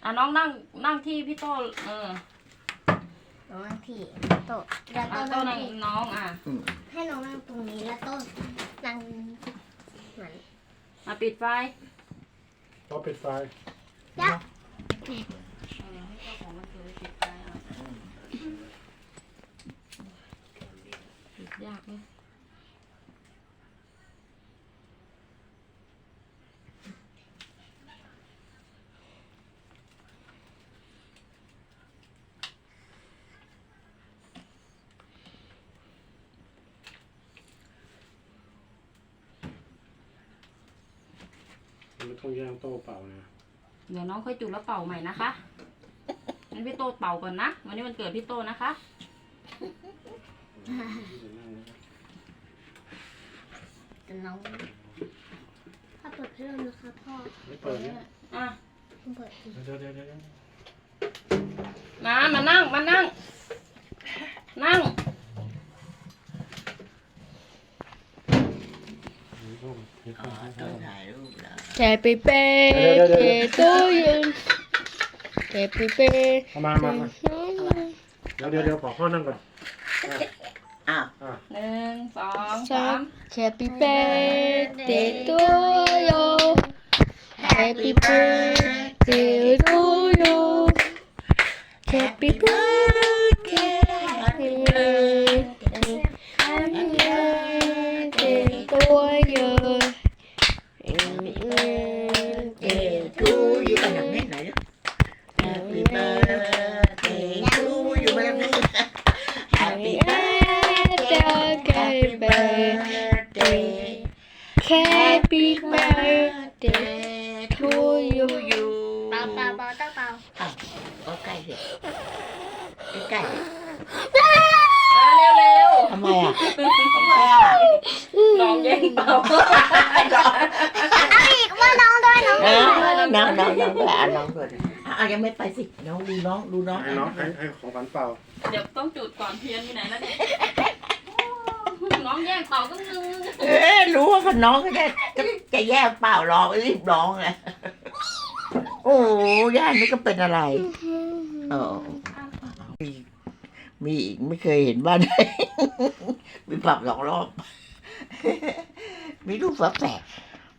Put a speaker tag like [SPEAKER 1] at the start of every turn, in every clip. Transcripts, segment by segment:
[SPEAKER 1] น้องนั่งที่พี่โต้
[SPEAKER 2] น้องนั่งที่โต๊ะแล้ว
[SPEAKER 1] โต้นั่งน้อง
[SPEAKER 2] ให้น้องนั่งตรงนี้แล้วโต๊ะนั่งเหมือน
[SPEAKER 1] ปิดไฟ
[SPEAKER 3] ต้องปิดไฟ
[SPEAKER 2] ยัก
[SPEAKER 1] ให้เจ้าของมันคือปิดไฟปิดยากเลย
[SPEAKER 3] ไม่ต้องแย่งโต๊ะเปล่านะ
[SPEAKER 1] เดี๋ยวน้องค่อยจุดแล้วเป่าใหม่นะคะงั้นพี่โต้เป่าก่อนนะวันนี้มันเกิดพี่โต้นะคะ
[SPEAKER 2] แต่น้องถ้าเปิดเรื่องนะคะพ่อ
[SPEAKER 3] ไม่เปิดเนี่ย
[SPEAKER 2] คุณเปิด
[SPEAKER 3] เดี๋ยว
[SPEAKER 1] มานั่ง
[SPEAKER 4] ต้องถ่ายรูปแล้ว
[SPEAKER 5] Happy birthday to you Happy birthday
[SPEAKER 3] มาเดี๋ยวขอพ่อนั่งก่อน
[SPEAKER 4] อ้าว
[SPEAKER 1] 1 2 3
[SPEAKER 5] Happy birthday to you Happy birthday to you Happy birthday Happy birthday Happy birthday to you
[SPEAKER 4] ทูอยู่กันอย่างนี้ไหน Happy birthday to you มาแล้วนี่ Happy
[SPEAKER 5] Happy birthday Happy birthday to you
[SPEAKER 2] เปล่าต้องเปล่า
[SPEAKER 4] อ้าวก็ใกล้สิใกล้
[SPEAKER 1] เร็ว
[SPEAKER 4] ทำไมอ่ะ
[SPEAKER 1] น้องแย่งเป่า
[SPEAKER 2] เอาอีกว่าน้องด้วยน้อง
[SPEAKER 4] ด้วยยังไม่ไปสิน้องดูน้อง
[SPEAKER 3] ให้ของขวัญเปล่า
[SPEAKER 1] เดี๋ยวต้องจุดก่อนเทียนอยู่ไหนแล้วเนี่ยน้องแย่งเป่าก็นึง
[SPEAKER 4] รู้ว่าน้องจะแย่เปล่าร้องรีบร้องเลยโอ้ย่านี่ก็เป็นอะไรมีอีกไม่เคยเห็นบ้านไหนมีปรับ2 รอบมีลูกฝาแฝด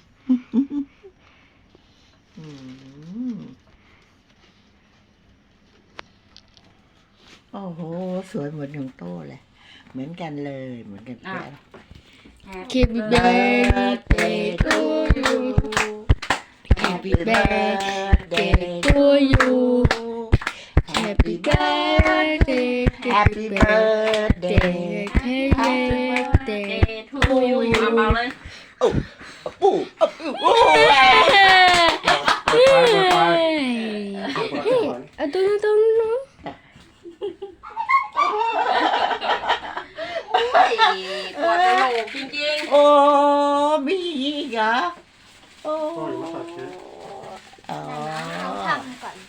[SPEAKER 4] โอ้โหสวยเหมือนของโต้เลยเหมือนกันเลยเหมือนกันแล้ว
[SPEAKER 5] Happy birthday to you Happy birthday to you Happy birthday
[SPEAKER 4] Happy birthday
[SPEAKER 5] Happy birthday
[SPEAKER 1] to you เป่าเลย
[SPEAKER 4] ปู่
[SPEAKER 5] เอาตรงๆเนาะ
[SPEAKER 1] ปวดกระโหลกจริงๆ
[SPEAKER 4] โอ้มีอีกเหรอโอ้
[SPEAKER 2] น้องทำก่อน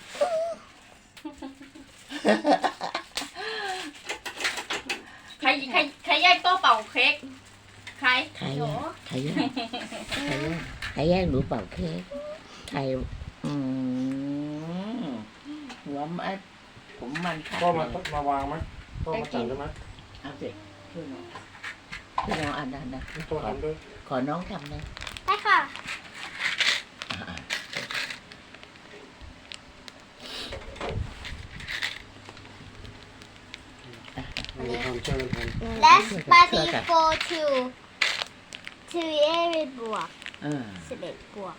[SPEAKER 1] ใครแยกโต๊ะเป่าเค้กใคร
[SPEAKER 4] แย่งหนูเป่าเค้กใครหัวผมมัน
[SPEAKER 3] ก็มาวางไหมก็มาจัดได้ไหม
[SPEAKER 4] เอาสิช่วยน้องอ่านนะ
[SPEAKER 3] ตัวทำด้วย
[SPEAKER 4] ขอน้องทำนะ
[SPEAKER 2] ได้ค่ะLet's study for two 11 บวก11 บวก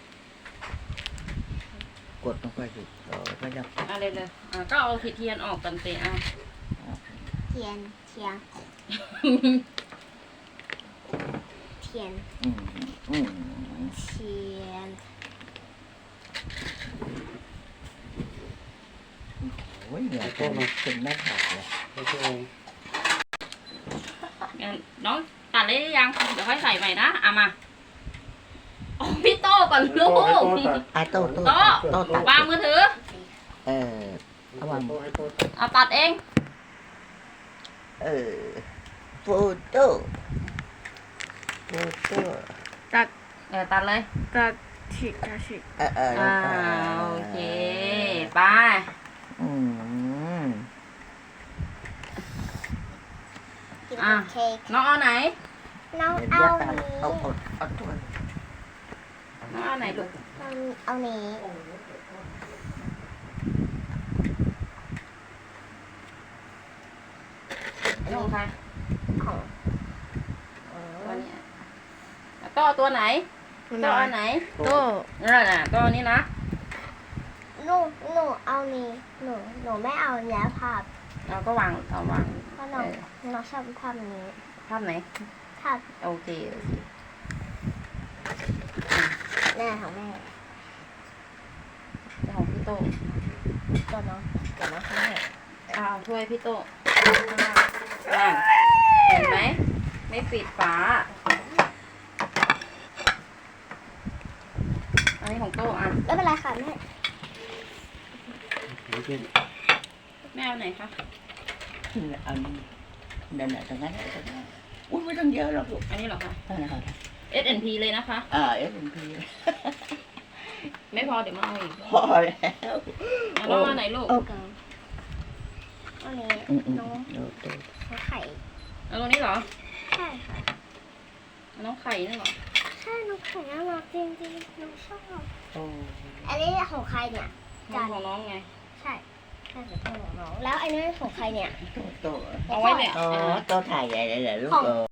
[SPEAKER 4] กดลงไปสิไม่ได้
[SPEAKER 1] เลยก็เอาเทียนออกกันเตะ
[SPEAKER 2] เทียน
[SPEAKER 4] โอ้ยเนี่ยเป็นหน้าผากเลย
[SPEAKER 1] น้องตัดเลยยังเดี๋ยวค่อยใส่ใหม่นะมาพี่โต้ก่อนลูก
[SPEAKER 4] โต้
[SPEAKER 1] วางมือถือ
[SPEAKER 4] วาง
[SPEAKER 1] ตัดเอง
[SPEAKER 4] โฟโต้
[SPEAKER 5] ตัด
[SPEAKER 1] เลย
[SPEAKER 5] ตัดฉีก
[SPEAKER 1] โอเคไป
[SPEAKER 4] อืม
[SPEAKER 2] กิน
[SPEAKER 1] อ่ะ
[SPEAKER 2] เค้ก
[SPEAKER 1] น้องเอาไหน
[SPEAKER 2] น้อง
[SPEAKER 4] เดี๋ยว
[SPEAKER 2] เอา
[SPEAKER 4] เรียกกัน
[SPEAKER 2] นี้
[SPEAKER 4] เอาถ้วย
[SPEAKER 1] น้องเอาไหนลูก
[SPEAKER 2] เอานี้
[SPEAKER 1] น้องใคร
[SPEAKER 2] ของ
[SPEAKER 1] ตัวนี้แล้วก็ตัวไหนตัวอันไหน
[SPEAKER 5] โต
[SPEAKER 1] นั่นน่ะตัวนี้นะ
[SPEAKER 2] หนูเอานี้หนูไม่เอาเนี้ยภาพ
[SPEAKER 1] เราก็วางเอาวาง
[SPEAKER 2] เพราะน้องชอบภาพนี้
[SPEAKER 1] ภาพไหน
[SPEAKER 2] ภาพ
[SPEAKER 1] โอเคโอเค
[SPEAKER 2] แม่ของแม่
[SPEAKER 1] ของพี่โต
[SPEAKER 2] ตัวน้องเดี๋ยวน้องให้
[SPEAKER 1] เอาถ้วยพี่โตนั่นเห็นไหมไม่ปิดฝาอันนี้ของโตอ่ะ
[SPEAKER 2] ไม่เป็นไรค่ะแม่
[SPEAKER 1] แม่เอาไหนคะ
[SPEAKER 4] เอาเดินตรงนั้นตรงนั้นอุ้ยไม่ต้องเยอะหรอกลูก
[SPEAKER 1] อันนี้เหรอคะ
[SPEAKER 4] นั่นแหละค่ะ
[SPEAKER 1] S&P เลยนะคะ
[SPEAKER 4] S&P
[SPEAKER 1] ไม่พอเดี๋ยวมาเอาอีก
[SPEAKER 4] พอแล้ว
[SPEAKER 1] เอาน้องเอาไหนลูก
[SPEAKER 2] อันนี้ น้อง
[SPEAKER 4] ดู
[SPEAKER 2] ไข่
[SPEAKER 1] เอาตรงนี้เหรอ
[SPEAKER 2] ใช่ค่ะ
[SPEAKER 1] เอาน้องไข่นี่เหรอ
[SPEAKER 2] ใช่น้องไข่น่ารักจริงๆน้องชอบ
[SPEAKER 4] โอ้
[SPEAKER 2] อันนี้ของใครเนี่ย
[SPEAKER 1] ของน้องไง
[SPEAKER 2] ใช่ใช่ของน้องแล้วอันนี้ของใครเนี่ย
[SPEAKER 4] โต
[SPEAKER 1] เอาไว้เนี่ย
[SPEAKER 4] โตถ่ายใหญ่เลยเหรอลูก
[SPEAKER 2] ของ
[SPEAKER 4] เออ